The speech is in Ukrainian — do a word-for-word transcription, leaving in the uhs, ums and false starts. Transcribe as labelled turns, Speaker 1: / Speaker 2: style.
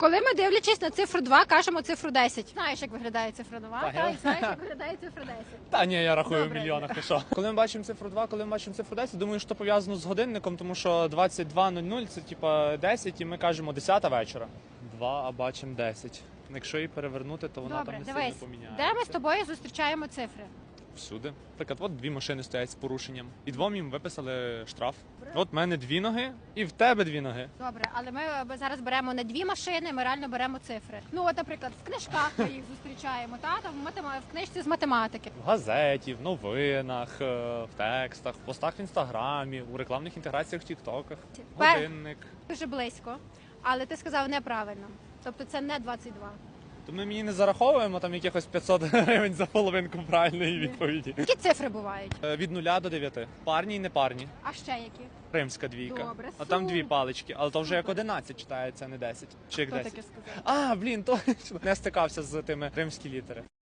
Speaker 1: Коли ми, дивлячись на цифру два, кажемо цифру десять. Знаєш, як виглядає цифра два?
Speaker 2: Так,
Speaker 1: Так,
Speaker 2: я-
Speaker 1: знаєш, як виглядає цифра десять.
Speaker 2: Та ні, я рахую
Speaker 1: Добре.
Speaker 2: в мільйонах, ти що. Коли ми бачимо цифру два, коли ми бачимо цифру десять, думаю, що пов'язано з годинником, тому що двадцять два нуль нуль це типа десять, і ми кажемо десята вечора. два, а бачимо десять. Якщо її перевернути, то вона
Speaker 1: Добре,
Speaker 2: там не
Speaker 1: дивись,
Speaker 2: сильно поміняється.
Speaker 1: де ми з тобою зустрічаємо цифри?
Speaker 2: Всюди. Наприклад, от дві машини стоять з порушенням. І двом їм виписали штраф. От в мене дві ноги, і в тебе дві ноги.
Speaker 1: Добре, але ми е, зараз беремо не дві машини, ми реально беремо цифри. Ну, от, наприклад, в книжках ми їх зустрічаємо, та там в матема- в книжці з математики.
Speaker 2: В газеті, в новинах, е, в текстах, в постах в інстаграмі, у рекламних інтеграціях в тіктоках.
Speaker 1: Пер-
Speaker 2: Годинник.
Speaker 1: Дуже близько, але ти сказав неправильно. Тобто це не двадцять два.
Speaker 2: То ми мені не зараховуємо там якихось п'ятсот гривень за половинку правильної відповіді.
Speaker 1: Які цифри бувають?
Speaker 2: Е, Від нуля до дев'яти. Парні і непарні.
Speaker 1: А ще які?
Speaker 2: Римська двійка.
Speaker 1: Добре,
Speaker 2: А там
Speaker 1: супер.
Speaker 2: дві палички, але то вже як
Speaker 1: Супер.
Speaker 2: одинадцять читається, а не десять. Чи як
Speaker 1: Хто
Speaker 2: десять.
Speaker 1: таке сказав?
Speaker 2: А, блін, точно. Не стикався з тими римські літери.